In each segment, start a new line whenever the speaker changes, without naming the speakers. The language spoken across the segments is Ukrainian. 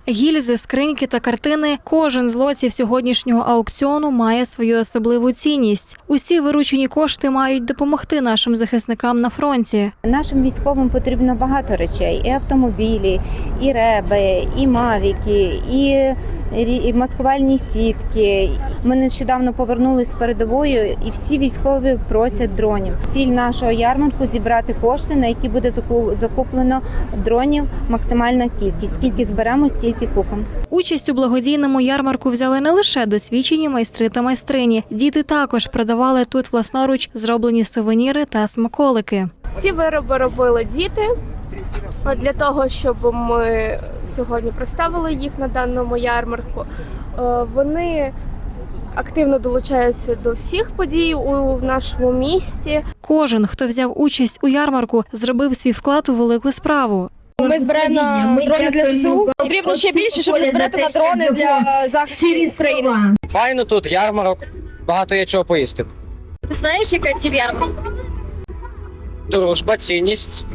Гільзи, скриньки та картини – кожен з лотів сьогоднішнього аукціону має свою особливу цінність. Усі виручені кошти мають допомогти нашим захисникам на фронті.
Нашим військовим потрібно багато речей: і автомобілі, і реби, і мавіки, і маскувальні сітки. Ми нещодавно повернулись з передової, і всі військові просять дронів. Ціль нашого ярмарку – зібрати кошти, на які буде закуплено дронів максимальна кількість. Скільки зберемо, стільки купимо.
Участь у благодійному ярмарку взяли не лише досвідчені майстри та майстрині. Діти також продавали тут власноруч зроблені сувеніри та смаколики.
Ці вироби робили діти для того, щоб ми сьогодні представили їх на даному ярмарку. Вони активно долучаються до всіх подій у нашому місті.
Кожен, хто взяв участь у ярмарку, зробив свій вклад у велику справу.
Ми збираємо на дрони для ЗСУ. Потрібно ще більше, щоб збирати на дрони для захисту країни.
Файно тут, ярмарок, багато є чого поїсти.
Ти знаєш, яка ціль ярмарку?
Дружба, цінність,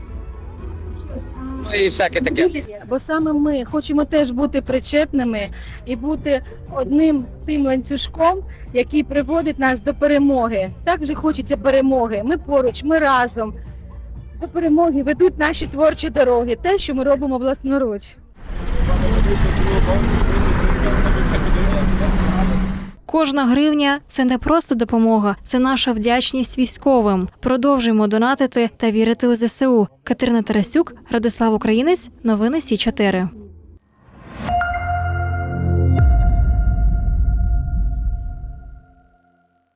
ну і всяке таке.
Бо саме ми хочемо теж бути причетними і бути одним тим ланцюжком, який приводить нас до перемоги. Так же хочеться перемоги. Ми поруч, ми разом. До перемоги ведуть наші творчі дороги, те, що ми робимо власноруч.
Кожна гривня – це не просто допомога, це наша вдячність військовим. Продовжуємо донатити та вірити у ЗСУ. Катерина Тарасюк, Радислав Українець, новини Сі 4.